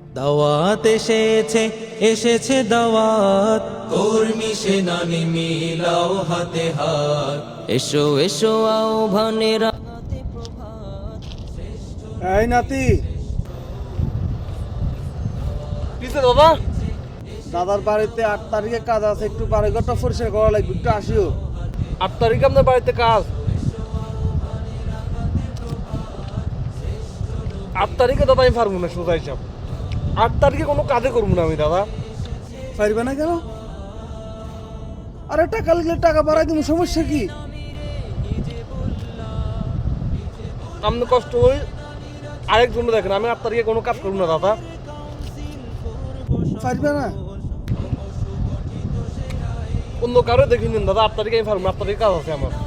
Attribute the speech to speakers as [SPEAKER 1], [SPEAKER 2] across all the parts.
[SPEAKER 1] দাওয়াত এসেছে, এসেছে দাওয়াত, কর্মী সেনানি মিলাও হাতে হাত, এসো এসো আহ্বানে রাঙাতে প্রভাত।
[SPEAKER 2] এই নাতি,
[SPEAKER 3] কিসে দাদা?
[SPEAKER 2] দাদার বাড়িতে 8 তারিখে কাজ আছে, একটু বাড়িঘরটা পরিষ্কার করা লাগবে, একটু আসিও।
[SPEAKER 3] 8 তারিখে আপনার বাড়িতে কাজ? 8 তারিখে দাদা আমি পারবো না, সোজা হিসাব। 8 তারিখে কোনো কাজে করবো না আমি দাদা।
[SPEAKER 2] পারবে না কেন? আরে টাকা লাগলে টাকা বাড়াই দিব, সমস্যা কি?
[SPEAKER 3] আপনি কষ্ট হই আরেকজন দেখেন, আমি 8 তারিখে কোনো কাজ করবো না দাদা।
[SPEAKER 2] পারবে না?
[SPEAKER 3] অন্য কারো দেখে নিন দাদা, 8 তারিখে আমি পারবো না, 8 তারিখে কাজ আছে আমার।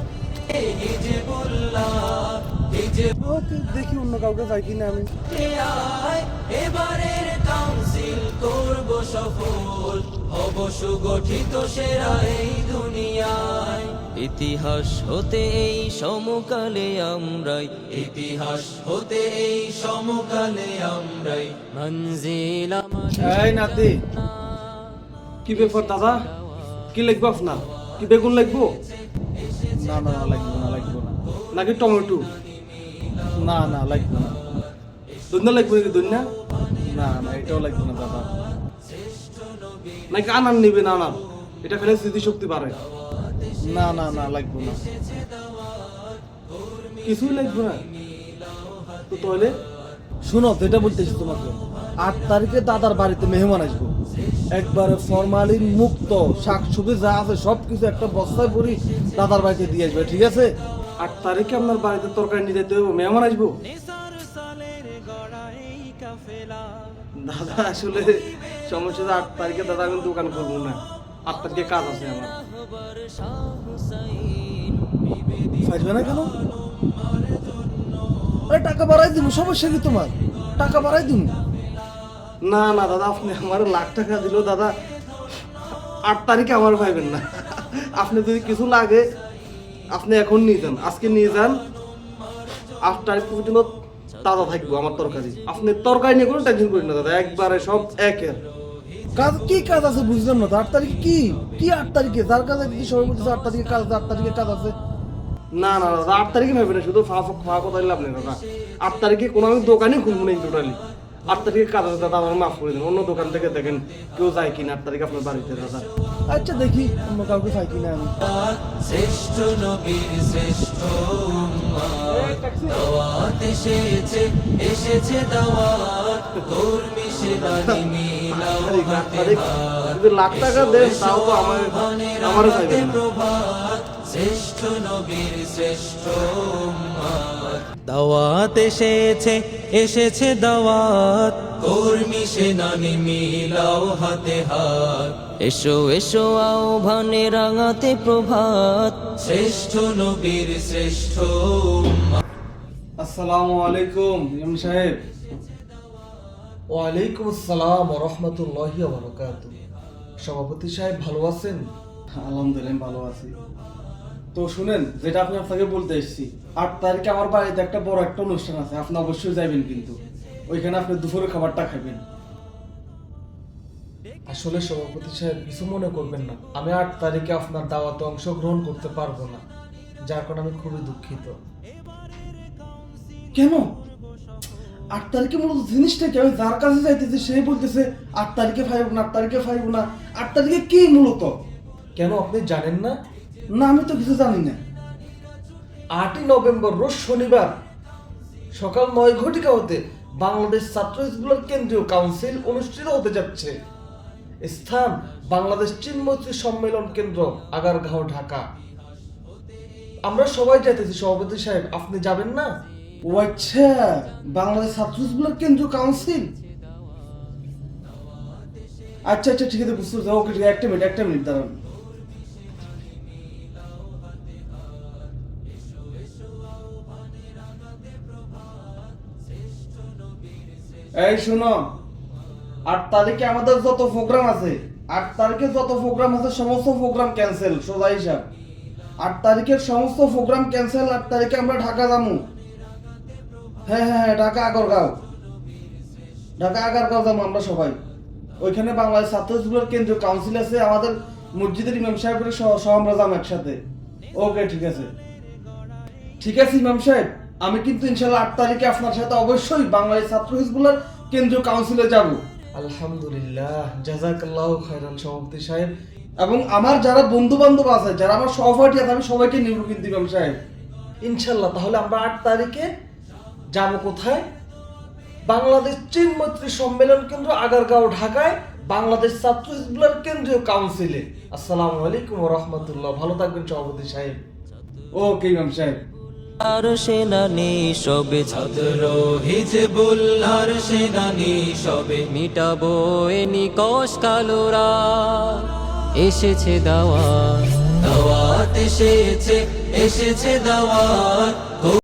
[SPEAKER 2] ওকে, দেখি অন্য কাউকে পাই কিনা আমি।
[SPEAKER 1] এবারের কাউন্সিল করব সফল, হব সুগঠিত সেরা এই দুনিয়ায়। ইতিহাস হতে এই সমকালে আমরাই, ইতিহাস হতে এই সমকালে আমরাই, মঞ্জিল আমাদের।
[SPEAKER 2] এই নাতি, কি ব্যাপার দাদা? কি লিখবো আপনার? কি বেগুন লিখবো? না না না, লাগবো না, লাগবো না। নাকি টমেটো? না না, লাগবো না। দুনিয়া লাগবো নাকি? দুনিয়া? না না, এটাও লাগবো না দাদা। নাকি আনার নিবেন? আনার, এটা খেলে স্মৃতিশক্তি বাড়ে। না না না, লাগবো না, কিছুই লাগবে না। তো তাহলে শোনো, যেটা বলতেছি তোমাকে, 8 তারিখে দাদার বাড়িতে মেহমান আসবো, একবারে ফরমালিন মুক্ত শাকসবজি যা আছে সবকিছু একটা বস্তায় ভরি দাদার বাড়িতে দিয়ে আসবে, ঠিক আছে? 8 তারিখে আপনার বাড়িতে তরকারি নিয়ে যেতে হবে, মেহমান আসবো। দাদা আসলে সমস্যা, 8 তারিখে দাদা আমি দোকান করবো না, 8 তারিখে কাজ আছে আমার। পারবে না কেন? আরে টাকা বাড়াই দিব, সমস্যা কি তোমার? টাকা বাড়াই দিব। না না দাদা, আপনি আমার লাখ টাকা দিল দাদা, 8 তারিখে আমার পাইবেন না। আপনি যদি কিছু লাগে আপনি এখন নিয়ে যান, আজকে নিয়ে যান, 8 তারিখ পর্যন্ত তাজা থাকবো আমার তরকারি। আপনি তরকারি নিয়ে কোনো টেনশন করেন না দাদা, একবারে সব একের কাজ। কি কাজ আছে বুঝলাম না তো? 8 তারিখে কি কি 8 তারিখে যার কাজ আছে সবাই বলতেছে 8 তারিখে কাজ, 8 তারিখে কাজ আছে। না না দাদা, 8 তারিখে ভাবে না, শুধু ফাঁকা কথা দিলে আপনি দাদা। 8 তারিখে কোনো আমি দোকানই খুলবো না টোটালি। 8 তারিখে কাজ আছে দাদা, আমার মাফ করে দিন, অন্য দোকান থেকে দেখেন কেউ যায় কিনা 8 তারিখে আপনার বাড়িতে দাদা। আচ্ছা দেখি অন্য কাউকে পাই কিনা আমি।
[SPEAKER 1] শ্রেষ্ঠ নবীর শ্রেষ্ঠ উম্মত, দাওয়াত এসেছে, এসেছে দাওয়াত, কর্মী সেনানি মিলাও হাতে হাত,
[SPEAKER 2] যদি লাখ টাকা দেন তাও তো আমারও চাইবেন না।
[SPEAKER 1] প্রভাত, শ্রেষ্ঠ নবীর শ্রেষ্ঠ উম্মত, দাওয়াত এসেছে, এসেছে দাওয়াত, কর্মী সেনানি মিলাও হাতে হাত, এসো এসো আহ্বানে রাঙাতে প্রভাত, শ্রেষ্ঠ নবীর শ্রেষ্ঠ উম্মত।
[SPEAKER 2] আসসালামু আলাইকুম ইমাম সাহেব।
[SPEAKER 4] ওয়ালাইকুম আসসালাম ওয়া রাহমাতুল্লাহি ওয়া বারাকাতুহু। সভাপতি সাহেব ভালো আছেন?
[SPEAKER 2] আলহামদুলিল্লাহ ভালো আছি। তো শুনেন, যেটা আমি আপনাকে বলতে এসেছি, 8 তারিখে আমার বাড়িতে একটা বড় একটা অনুষ্ঠান আছে, আপনি অবশ্যই যাবেন, কিন্তু ওইখানে আপনি দুপুরের খাবারটা খাবেন।
[SPEAKER 4] আসলে সভাপতি সাহেব কিছু মনে করবেন না, আমি 8 তারিখে আপনার দাওয়াতে অংশগ্রহণ করতে পারবো না, যার কারণে আমি খুবই দুঃখিত।
[SPEAKER 2] কেন? 8 তারিখে মূলত জিনিসটা কি? আমি যার কাছে যাইতেছি সে বলতেছে 8 তারিখে ফাইব না, 8 তারিখে ফাইব না। 8 তারিখে কি মূলত?
[SPEAKER 4] কেন আপনি জানেন না?
[SPEAKER 2] না, আমি তো কিছু জানি না।
[SPEAKER 4] 8ই নভেম্বর রোজ শনিবার সকাল 9 ঘটিকা হতে বাংলাদেশ ছাত্র হিজবুল্লাহর কেন্দ্রীয় কাউন্সিল অনুষ্ঠিত হতে যাচ্ছে। স্থান বাংলাদেশ চীন মৈত্রী সম্মেলন কেন্দ্র, আগারগাঁও, ঢাকা। আমরা সবাই যাইতেছি সভাপতি সাহেব, আপনি যাবেন না?
[SPEAKER 2] ও আচ্ছা, বাংলাদেশ ছাত্র হিজবুল্লাহর কেন্দ্রীয় কাউন্সিল। আচ্ছা আচ্ছা, ঠিক আছে, বুঝতে পারছি। ওকে ঠিক আছে, একটা মিনিট দাঁড়ান। এই শোনো, 8 তারিখে আমাদের যত প্রোগ্রাম আছে, 8 তারিখে যত প্রোগ্রাম আছে সমস্ত প্রোগ্রাম ক্যান্সেল, সোজা হিসাব। 8 তারিখের সমস্ত প্রোগ্রাম ক্যান্সেল। 8 তারিখে আমরা ঢাকা যাবো। হ্যাঁ হ্যাঁ হ্যাঁ, ঢাকা আগারগাঁও। ঢাকা আগারগাঁও যাবো আমরা সবাই। ওইখানে বাংলাদেশ ছাত্র হিজবুলের কেন্দ্রীয় কাউন্সিল আছে, আমাদের মসজিদের ইমাম সাহেবের সহ আমরা যাবো একসাথে। ওকে, ঠিক আছে। ঠিক আছে ইমাম সাহেব, আমি কিন্তু ইনশাল্লাহ 8 তারিখে আপনার সাথে অবশ্যই বাংলাদেশ ছাত্র হিজবুলের কেন্দ্রীয় কাউন্সিলে যাব।
[SPEAKER 4] আলহামদুলিল্লাহ, জাযাকাল্লাহু খাইরান সভাপতি সাহেব।
[SPEAKER 2] এবং আমার যারা বন্ধু বান্ধব আছে, যারা আমার সহপাঠী আছে, আমি সবাইকে নিব কিন্তু ইমাম সাহেব।
[SPEAKER 4] ইনশাল্লাহ, তাহলে আমরা 8 তারিখে যাব কোথায়? বাংলাদেশ চীন মৈত্রী সম্মেলন কেন্দ্র আগারগাঁও, ঢাকায়, বাংলাদেশ ছাত্র হিজবুলের কেন্দ্রীয় কাউন্সিলে। আসসালামু আলাইকুম ওয়া রাহমাতুল্লাহ। ভালো থাকবেন সভাপতি সাহেব।
[SPEAKER 2] ওকে ইমাম সাহেব।
[SPEAKER 1] আর সেনানি সবে ছাত্র হিজবুল্লাহর সেনানি সবে মিটাবো এ নিকশ কালোরা। এসেছে দাওয়াত, দাওয়াত এসেছে, এসেছে দাওয়াত।